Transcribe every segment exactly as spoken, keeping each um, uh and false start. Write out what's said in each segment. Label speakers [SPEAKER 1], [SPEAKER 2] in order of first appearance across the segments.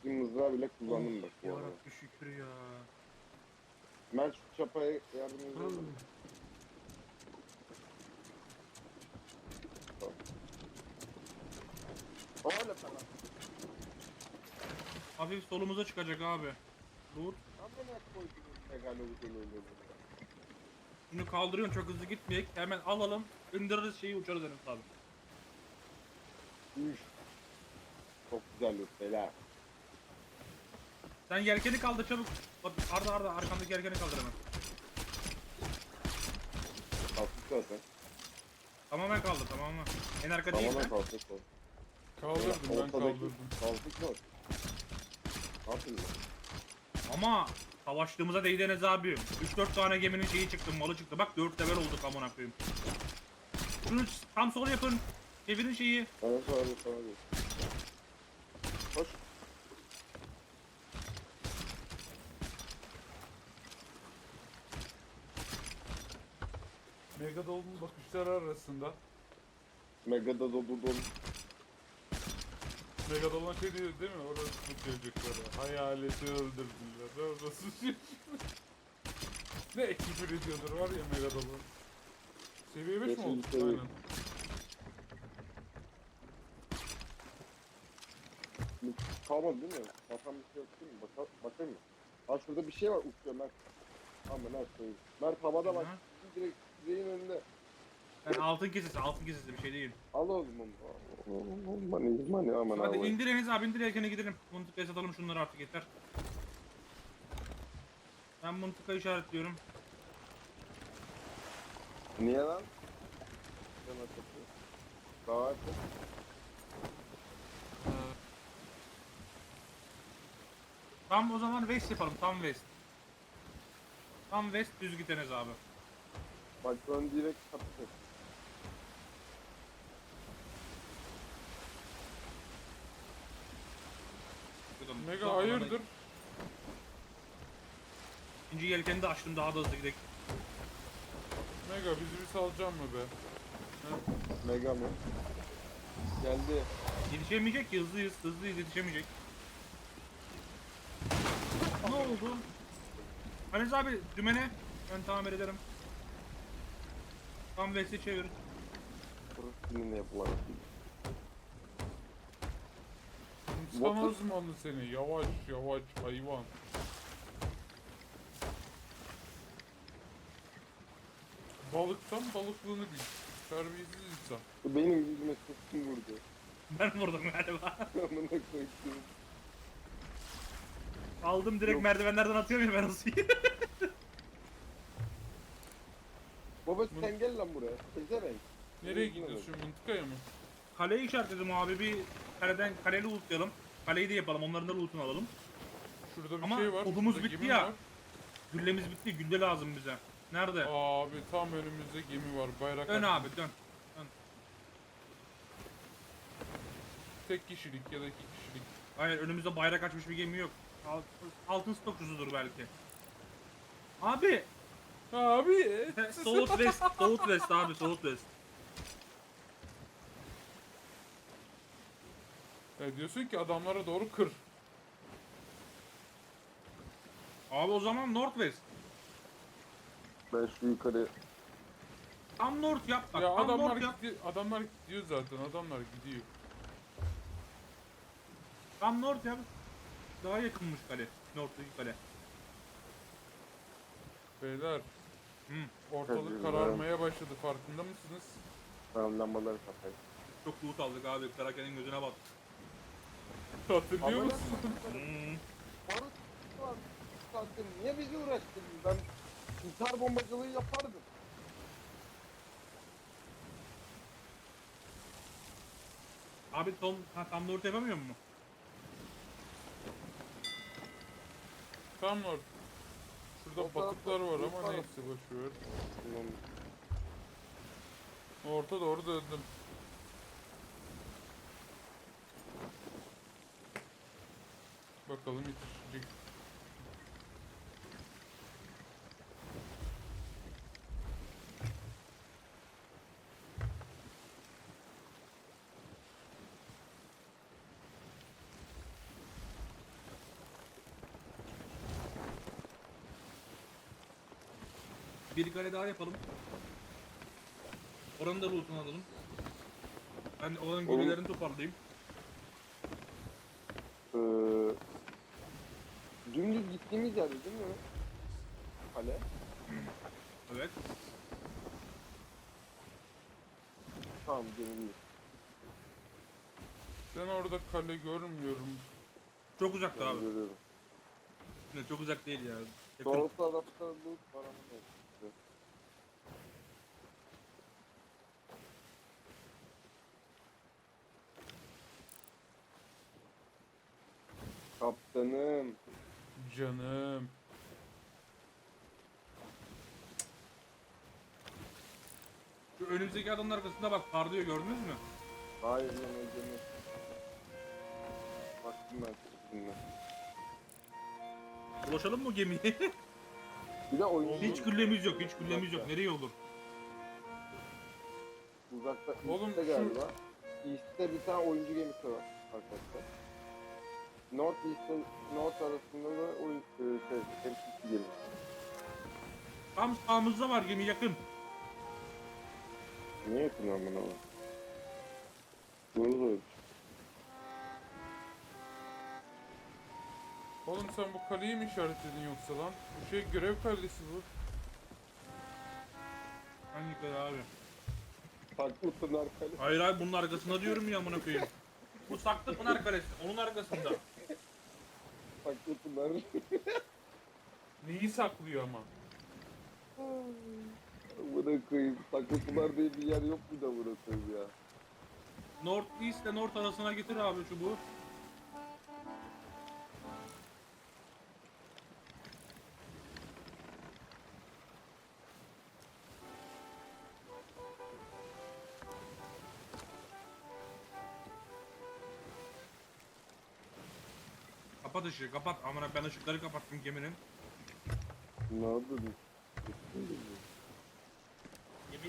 [SPEAKER 1] kestiğim mızrağı bile kullandım bak bu arada.
[SPEAKER 2] Yarabbi şükür ya.
[SPEAKER 1] Ben şu çapaya yardım ediyorum. Öyle falan.
[SPEAKER 2] Hafif solumuza çıkacak abi. Dur.
[SPEAKER 1] Amına koydum megalodon öyle.
[SPEAKER 2] Şunu kaldırıyorsun, çok hızlı gitmeyek. Hemen alalım. İndiririz şeyi, uçarız Enes abi.
[SPEAKER 1] Üf. Çok güzel yok beyler.
[SPEAKER 2] Sen yelkeni kaldır çabuk. Bak Arda Arda arkandaki yelkeni kaldır hemen.
[SPEAKER 1] Kalktık zaten.
[SPEAKER 2] Tamamen kaldır tamamen. En arka değil
[SPEAKER 1] Tamamen
[SPEAKER 2] mi?
[SPEAKER 1] kalktık o.
[SPEAKER 3] Kaldırdım ben
[SPEAKER 1] Ortadaki
[SPEAKER 3] kaldırdım.
[SPEAKER 1] kalktık mı? Ne yapıyorsun?
[SPEAKER 2] Ama savaştığımıza değdi Enes abi. üç dört tane geminin şeyi çıktı, malı çıktı. Bak dört level olduk amına koyayım. Şunu tam sol yapın. Çevirin şeyi.
[SPEAKER 1] Bana sonra bir sonra bir. Koş.
[SPEAKER 3] Megadol'un bakışları arasında.
[SPEAKER 1] Mega'da dolu dolu.
[SPEAKER 3] Megadol'un şey diyor değil mi? Orası bu çocukları. Hayaleti öldürdüler. Orası şey. Ne küfür ediyordur var ya Megadol'un. Seviye beş mi
[SPEAKER 1] Beşinci
[SPEAKER 3] oldu?
[SPEAKER 1] seviye.
[SPEAKER 3] Aynen.
[SPEAKER 1] Kalmadı değil mi? Bakan bir şey yok değil mi? Baka, bakayım mı? Ha şurada bir şey var uçuyor Mert. Amına koyayım. Mert havada bak.
[SPEAKER 2] Hı.
[SPEAKER 1] Direkt direğin önünde.
[SPEAKER 2] Yani altın kesesi, altın kesesi bir şey değil.
[SPEAKER 1] Al o zaman. Mani mani aman
[SPEAKER 2] Hadi
[SPEAKER 1] abi.
[SPEAKER 2] indir Enes abi, indir yelkeni gidelim. Mıntıkaya satalım şunları artık, yeter. Ben mıntıka işaretliyorum.
[SPEAKER 1] Niye lan? Sen atıyorsun. Daha atın.
[SPEAKER 2] Tam o zaman west yapalım, tam west. Tam west düz git Enes abi.
[SPEAKER 1] Bak ön direkt kapatır.
[SPEAKER 2] Bakalım.
[SPEAKER 3] Mega hayırdır?
[SPEAKER 2] İkinci yelkeni de açtım, daha da hızlı gidelim.
[SPEAKER 3] Mega bizi bir salacak mı be? He?
[SPEAKER 1] Mega mı? Geldi.
[SPEAKER 2] Yetişemeyecek ki, hızlıyız, hızlıyız, yetişemeyecek. Ne oldu? Enes abi dümene ben tamir ederim. Tam west'e çevir.
[SPEAKER 1] Burası kiminle yapılan.
[SPEAKER 3] Tutamaz mı onu seni? Yavaş yavaş hayvan. Balıktan balıklığını bil. Terbiyesiz insan.
[SPEAKER 1] Benim yüzüme sıktım vurdu.
[SPEAKER 2] Ben vurdum galiba.
[SPEAKER 1] Amına koydum.
[SPEAKER 2] Aldım direkt,
[SPEAKER 1] Yok.
[SPEAKER 2] merdivenlerden atıyor muyum ben o suyu?
[SPEAKER 1] Baba sen gel lan buraya. Pezevenk.
[SPEAKER 3] Nereye gidiyorsun? Mıntıkaya mı?
[SPEAKER 2] Kaleyi işaretledim abi, bir kaleden kaleli lootlayalım. Kaleyi de yapalım, onların da lootunu alalım.
[SPEAKER 3] Şurada bir
[SPEAKER 2] Ama
[SPEAKER 3] şey var.
[SPEAKER 2] odumuz
[SPEAKER 3] şurada
[SPEAKER 2] bitti
[SPEAKER 3] gemi
[SPEAKER 2] ya.
[SPEAKER 3] var.
[SPEAKER 2] Güllemiz bitti, gülle lazım bize. Nerede?
[SPEAKER 3] Abi tam önümüzde gemi var. Bayrak
[SPEAKER 2] Dön
[SPEAKER 3] açmış.
[SPEAKER 2] abi dön. Dön.
[SPEAKER 3] Tek kişilik ya da iki kişilik.
[SPEAKER 2] Hayır, önümüzde bayrak açmış bir gemi yok. Alt- Altın stokçusudur belki. Abi!
[SPEAKER 3] Abi.
[SPEAKER 2] Southwest, Southwest abi, Southwest.
[SPEAKER 3] Ya diyorsun ki adamlara doğru kır.
[SPEAKER 2] Abi o zaman Northwest.
[SPEAKER 1] Ben şu yukarı.
[SPEAKER 2] Tam North yap bak,
[SPEAKER 3] Ya
[SPEAKER 2] tam
[SPEAKER 3] adamlar
[SPEAKER 2] North yap.
[SPEAKER 3] gidiyor, adamlar gidiyor zaten. Adamlar gidiyor.
[SPEAKER 2] Tam North yap. Daha yakınmış kale. North'taki kale.
[SPEAKER 3] Beyler,
[SPEAKER 2] Hı.
[SPEAKER 3] ortalık
[SPEAKER 1] Tabii,
[SPEAKER 3] kararmaya başladı. Farkında mısınız?
[SPEAKER 1] Tamam lambaları kapayım.
[SPEAKER 2] Çok loot aldık abi, Karaken'in gözüne bak.
[SPEAKER 3] Hatırlıyor
[SPEAKER 1] Amına
[SPEAKER 3] musun?
[SPEAKER 2] Hmm.
[SPEAKER 1] Barut var. Sattın. Niye bizi uğraştırdın? Ben intihar bombacılığı yapardım.
[SPEAKER 2] Abi Tom, ha, tam North yapamıyor mu?
[SPEAKER 3] Tam var. Şurada
[SPEAKER 1] O tarafta
[SPEAKER 3] batıklar var
[SPEAKER 1] loot
[SPEAKER 3] ama
[SPEAKER 1] var.
[SPEAKER 3] neyse boşver.
[SPEAKER 1] Bilmem.
[SPEAKER 3] Orta doğru döndüm. Bakalım yetişecek.
[SPEAKER 2] Bir kale daha yapalım. Oranın da loot'unu alalım. Ben oranın
[SPEAKER 1] Oğlum.
[SPEAKER 2] gülülerini toparlayayım.
[SPEAKER 1] Ee, dümdüz gittiğimiz yerde değil mi? Kale.
[SPEAKER 2] Evet.
[SPEAKER 1] Tamam gemi.
[SPEAKER 3] Ben orada kale görmüyorum.
[SPEAKER 2] Çok uzakta
[SPEAKER 1] Ben
[SPEAKER 2] abi.
[SPEAKER 1] görüyorum.
[SPEAKER 2] Ne, çok uzak değil ya. Yakın.
[SPEAKER 1] Sol tarafta loot var ama ne? Kaptanım.
[SPEAKER 3] Canım.
[SPEAKER 2] Şu önümüzdeki adamın arkasında bak parlıyor, gördünüz mü?
[SPEAKER 1] Hayır yemeği gemi. Baktım ben sizinle.
[SPEAKER 2] Ulaşalım mı o gemiye?
[SPEAKER 1] Bir de oyun
[SPEAKER 2] Hiç güllemiz yok, hiç güllemiz yok. Nereye olur?
[SPEAKER 1] Uzakta
[SPEAKER 3] Oğlum
[SPEAKER 1] East'te
[SPEAKER 3] şu-
[SPEAKER 1] galiba. East'te bir tane oyuncu gemisi var arkadaşlar. North East'te North arasında da oyun e, şey, temsilci gemisi.
[SPEAKER 2] Tam sağımızda var gemi, yakın.
[SPEAKER 1] Niye yakın lan bana o? Doğru doğru.
[SPEAKER 3] Oğlum sen bu kaleyi mi işaretledin yoksa lan? Bu şey görev kalesi bu.
[SPEAKER 2] Hangi kale abi?
[SPEAKER 1] Farklı Pınar Kale.
[SPEAKER 2] Hayır abi, bunun arkasında diyorum ya, amına koyayım. Bu saklı Pınar Kalesi, onun arkasında.
[SPEAKER 1] Farklı Pınar.
[SPEAKER 3] Neyi saklıyor ama?
[SPEAKER 1] Buna koyayım. Saklı Pınar diye bir yer yok mu da burası ya?
[SPEAKER 2] North East ile North arasına getir abi çubuğu. Kapat ışığı, kapat. Amına, ben ışıkları kapattım geminin.
[SPEAKER 1] Ne oldu?
[SPEAKER 2] Gemi...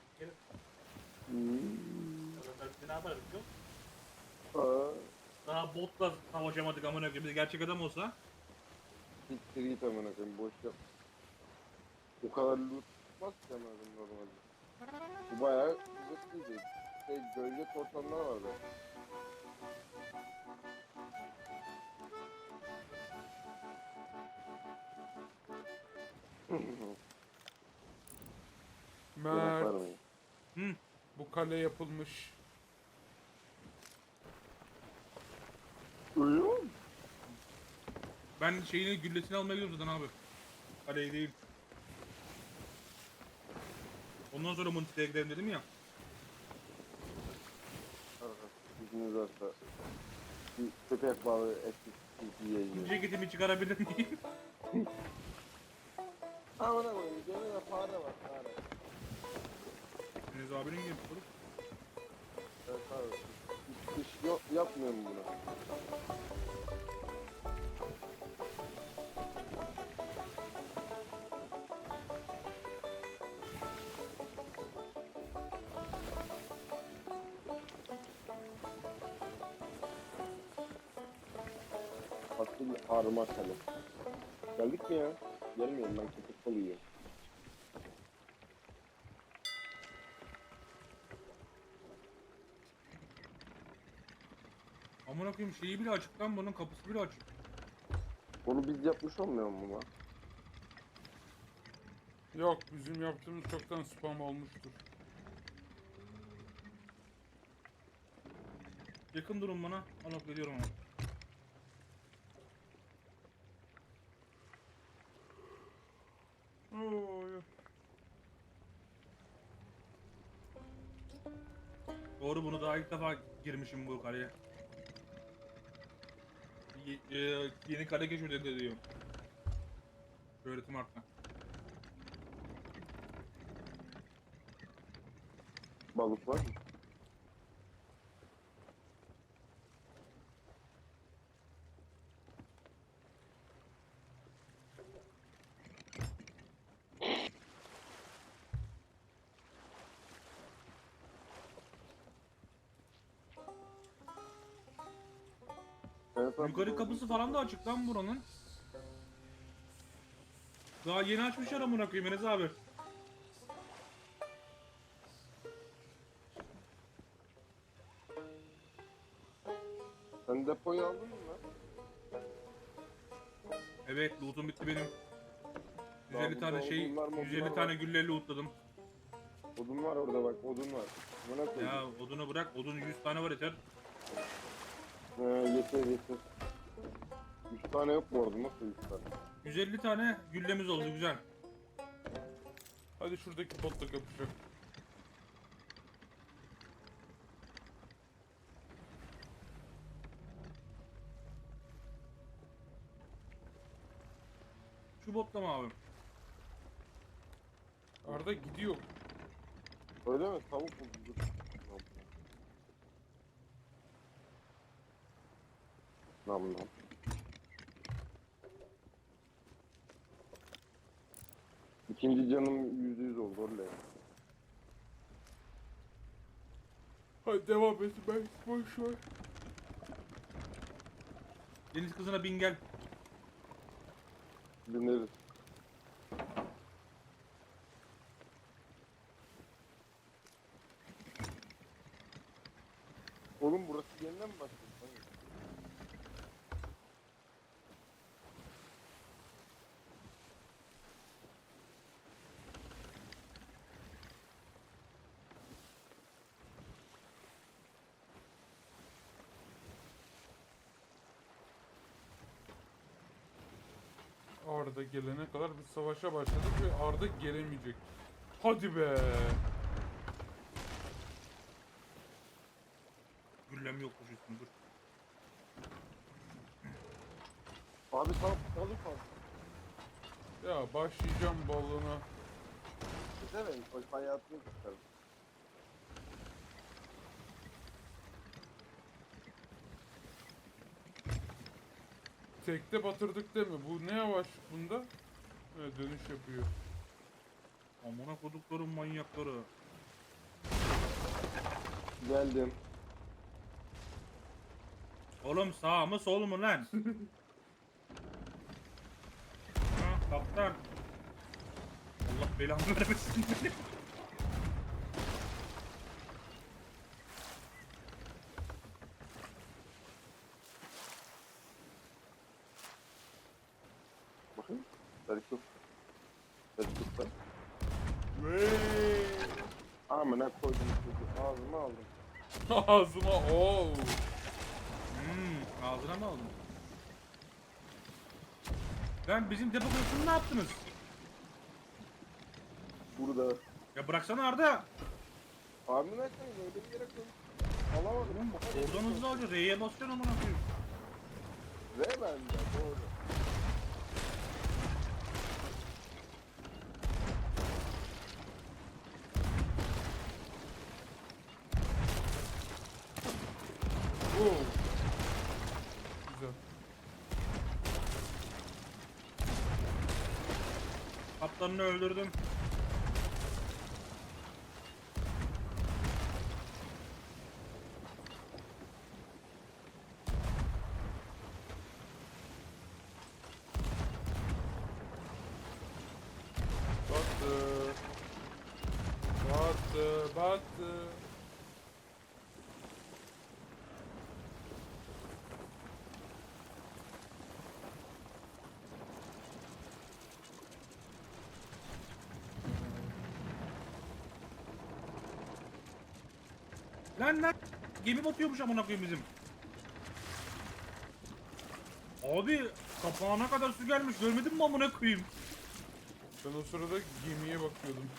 [SPEAKER 1] Hmm.
[SPEAKER 2] Ne yaparız yok?
[SPEAKER 1] Aa,
[SPEAKER 2] Daha botla savaşamadık amına koyayım. Biz gerçek adam olsa.
[SPEAKER 1] siktir git amına koyayım. Boş yap. O kadar loot tutmaz ki amına koyayım normalde. Bu bayağı lootluydu. Şey, gölge korsanlar vardı.
[SPEAKER 3] Mert,
[SPEAKER 1] Yaparım.
[SPEAKER 2] Hı.
[SPEAKER 3] bu kale yapılmış.
[SPEAKER 1] Ölüyor mu?
[SPEAKER 2] Ben şeyini, güllesini almaya gidiyorum zaten abi. Kaleyi değil. Ondan sonra Muntika'ya gidelim dedim ya.
[SPEAKER 1] İzniniz varsa bir köpek balığı eti yiyeceğim.
[SPEAKER 2] Ceketimi çıkarabilir miyim?
[SPEAKER 1] Amına koyayım. Gemide fare var fare.
[SPEAKER 2] Deniz abinin gibi olur.
[SPEAKER 1] Evet abi. Hiç iş yok, yapmıyorum bunu. Asıl arma kale. Geldik mi ya? Gelmiyorum, ben köpek balığı yiyorum.
[SPEAKER 2] Amına koyayım, şeyi bile açık lan, bunun kapısı bile açık.
[SPEAKER 1] Onu biz yapmış olmuyor mu lan?
[SPEAKER 3] Yok, bizim yaptığımız çoktan spam olmuştur.
[SPEAKER 2] Yakın durun bana. Alıp geliyorum ama.
[SPEAKER 3] Oy.
[SPEAKER 2] Doğru, bunu daha ilk defa girmişim bu kaleye. Y- e, yeni kale keşfedildi diyor. Öğretim arttı.
[SPEAKER 1] Balık var mı? Evet, abi,
[SPEAKER 2] Yukarı
[SPEAKER 1] doğru.
[SPEAKER 2] kapısı falan da açık lan buranın. Daha yeni açmışlar amına koyayım Enes abi.
[SPEAKER 1] Sen depoyu aldın mı lan?
[SPEAKER 2] Evet, loot'um bitti benim. yüz elli
[SPEAKER 1] Daha
[SPEAKER 2] tane
[SPEAKER 1] burada
[SPEAKER 2] şey,
[SPEAKER 1] odunlar, modunlar
[SPEAKER 2] yüz elli
[SPEAKER 1] var.
[SPEAKER 2] tane gülleri lootladım.
[SPEAKER 1] Odun var orada bak, odun var. Buna koydum.
[SPEAKER 2] Ya odunu bırak, odun yüz tane var yeter.
[SPEAKER 1] He, yeter yeter. Üç tane yok mu orada? Nasıl üç tane?
[SPEAKER 2] yüz elli tane güllemiz oldu, güzel.
[SPEAKER 3] Hadi şuradaki botla kapışalım.
[SPEAKER 2] Şu botla mı abi?
[SPEAKER 3] Arda gidiyor.
[SPEAKER 1] Öyle mi? Tavuk buldum. Dur. Nam nam. İkinci canım yüzde yüz oldu oraya.
[SPEAKER 3] Hadi devam et, ben boş ver.
[SPEAKER 2] Deniz kızına bin gel.
[SPEAKER 1] Bineriz. Oğlum burası yeniden mi başladı? Hayır.
[SPEAKER 3] Arda gelene kadar biz savaşa başladık ve Arda gelemeyecek. Hadi be.
[SPEAKER 2] Güllem yokmuş üstünde, dur.
[SPEAKER 1] Abi tam balık al.
[SPEAKER 3] Ya başlayacağım balığına.
[SPEAKER 1] Güzel bak hayatını kurtardım.
[SPEAKER 3] Tekte batırdık değil mi? Bu ne yavaş bunda? Evet, dönüş yapıyor.
[SPEAKER 2] Amına kodukların manyakları.
[SPEAKER 1] Geldim.
[SPEAKER 2] Oğlum sağ mı sol mu lan? Ha kaptan. Allah belanı vermesin beni.
[SPEAKER 1] Bakın. Sarıklık. Sarıklıkta.
[SPEAKER 3] Veee.
[SPEAKER 1] Amına koydum çocuğu. Ağzıma aldım.
[SPEAKER 3] Ağzıma oo.
[SPEAKER 2] Hmm, ağzına mı aldın? Lan bizim depo kutusunu ne yaptınız?
[SPEAKER 1] Burada.
[SPEAKER 2] Ya bıraksana Arda.
[SPEAKER 1] Abi ne yapayım? Öyle bir yere koydum. Alamadım.
[SPEAKER 2] Oğlum oradan hızlı alacaksın. R'ye basacaksın amına koyayım.
[SPEAKER 1] Ve bende doğru.
[SPEAKER 3] Oo. Güzel.
[SPEAKER 2] Kaptanını öldürdüm.
[SPEAKER 3] Battı. Battı. Battı.
[SPEAKER 2] Lan lan. Gemi batıyormuş amına koyayım bizim. Abi kapağına kadar su gelmiş. Görmedin mi amına koyayım?
[SPEAKER 3] Ben o sırada gemiye bakıyordum.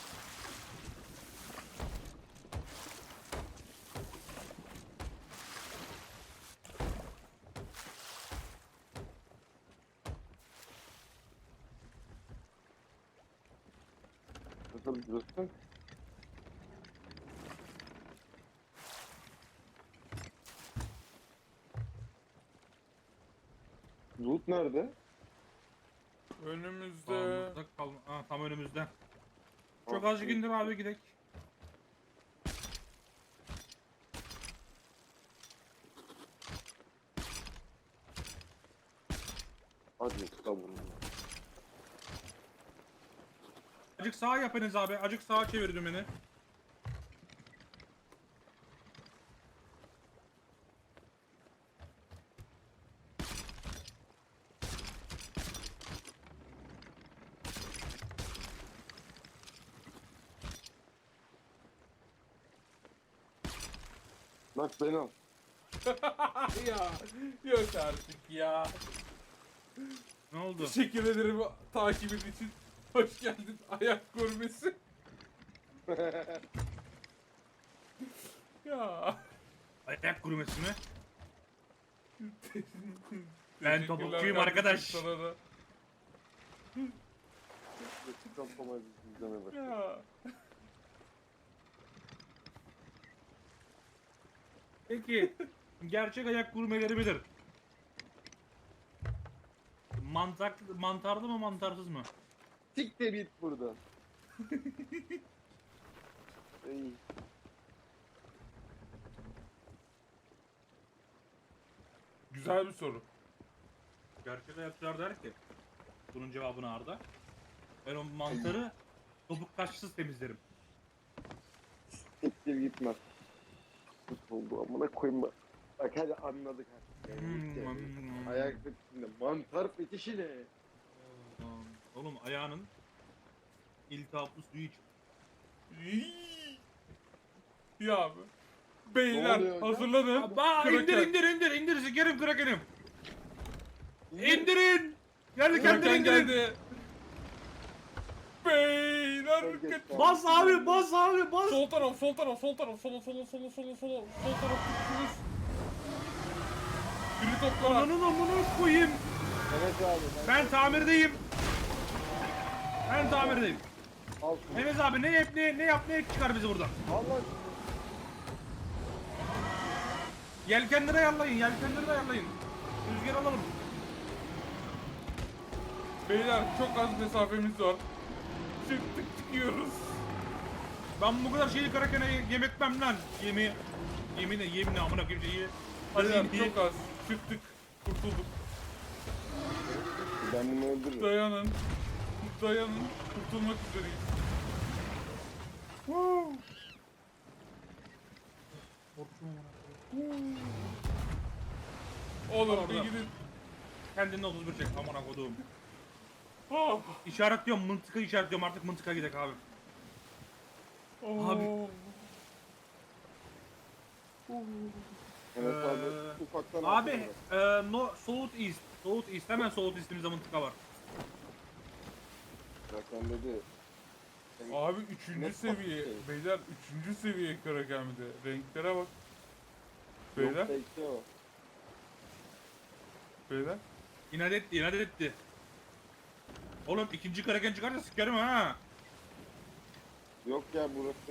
[SPEAKER 1] Nasıl burası? Loot nerede?
[SPEAKER 3] Önümüzde.
[SPEAKER 2] Sağımızda kal ha, tam önümüzde. Çok
[SPEAKER 1] Ah,
[SPEAKER 2] azıcık indir abi gidek.
[SPEAKER 1] Hadi sabun.
[SPEAKER 2] Acık sağa yapınız abi. Acık sağa çevir dümeni.
[SPEAKER 1] Bak beni al.
[SPEAKER 3] ya yok artık ya.
[SPEAKER 2] Ne oldu?
[SPEAKER 3] Teşekkür ederim takibin için. Hoş geldin ayak görmesi. ya.
[SPEAKER 2] Ayak kurumesi mi? Ben
[SPEAKER 3] Teşekkürler
[SPEAKER 2] topukçuyum
[SPEAKER 3] kardeşim
[SPEAKER 2] arkadaş.
[SPEAKER 3] sana da.
[SPEAKER 1] Kapamayız izleme bak.
[SPEAKER 3] Ya.
[SPEAKER 2] Peki gerçek ayak gurmeleri midir? Mantar, mantarlı mı mantarsız mı?
[SPEAKER 1] Siktir git buradan. Ey.
[SPEAKER 3] Güzel bir soru.
[SPEAKER 2] Gerçek ayakçılar der ki bunun cevabını Arda. Ben o mantarı topuk taşsız temizlerim.
[SPEAKER 1] Siktir gitme. Oldu amına koyayım bak. Bak hadi anladık artık. Yani
[SPEAKER 2] Hmm,
[SPEAKER 1] yani.
[SPEAKER 2] hmm.
[SPEAKER 1] Ayak fetişinde mantar fetişi ne?
[SPEAKER 2] Oğlum ayağının iltihaplı suyu iç.
[SPEAKER 3] İyi. Ya abi.
[SPEAKER 1] Ne
[SPEAKER 3] Beyler
[SPEAKER 1] oluyor hocam?
[SPEAKER 3] hazırlanın.
[SPEAKER 2] Aba indir
[SPEAKER 3] Kraken.
[SPEAKER 2] indir indir indir sikerim krakenim. İndirin. Geldi kendini
[SPEAKER 3] Kraken
[SPEAKER 2] indirin.
[SPEAKER 3] geldi. Beyler
[SPEAKER 1] Çok geç
[SPEAKER 3] dikkat.
[SPEAKER 1] kaldım.
[SPEAKER 2] Bas abi bas abi bas.
[SPEAKER 3] Sol taraf, sol taraf, sol taraf, sola, sola, sola, sola, sola, sol taraf tutuşunuz. Biri topla.
[SPEAKER 2] Ananın amına koyayım.
[SPEAKER 1] Evet abi.
[SPEAKER 2] Ben tamirdeyim. Ben tamirdeyim.
[SPEAKER 1] Al şunu.
[SPEAKER 2] Enes abi ne yap ne, ne yap ne yap çıkar bizi buradan.
[SPEAKER 1] Allah
[SPEAKER 2] Yelkenleri ayarlayın yelkenleri ayarlayın. Rüzgar alalım.
[SPEAKER 3] Beyler çok az mesafemiz var. Çıktık çıkıyoruz.
[SPEAKER 2] Ben bu kadar şeyi karakene yem etmem lan. Yemi yemin yemin amına koyayım şeyi.
[SPEAKER 3] Beyler
[SPEAKER 2] Hadi
[SPEAKER 3] çok az. Çıktık. Kurtulduk.
[SPEAKER 1] ben bunu öldürürüm.
[SPEAKER 3] Dayanın. Dayanın. Kurtulmak üzereyiz. Woo. Oğlum
[SPEAKER 2] Orada.
[SPEAKER 3] bir gidin.
[SPEAKER 2] Kendinin otuz bir çek amına koduğum.
[SPEAKER 3] Oh.
[SPEAKER 2] İşaretliyorum mıntıka işaretliyorum artık mıntıka gidek abi.
[SPEAKER 3] Oh.
[SPEAKER 2] Abi.
[SPEAKER 1] Evet abi
[SPEAKER 2] Ee,
[SPEAKER 1] ufaktan
[SPEAKER 2] Abi
[SPEAKER 1] atlayalım.
[SPEAKER 2] e, no South East. South East hemen South East'imizde mıntıka var.
[SPEAKER 1] Kraken dedi. Sen-
[SPEAKER 3] Abi üçüncü
[SPEAKER 1] Ne
[SPEAKER 3] seviye.
[SPEAKER 1] şey?
[SPEAKER 3] Beyler üçüncü seviye Kraken bir de. Renklere bak.
[SPEAKER 1] Yok
[SPEAKER 3] Beyler.
[SPEAKER 1] bekle o.
[SPEAKER 3] Beyler.
[SPEAKER 2] İnat etti inat etti. Oğlum ikinci kraken çıkarsa sikerim ha.
[SPEAKER 1] Yok ya burası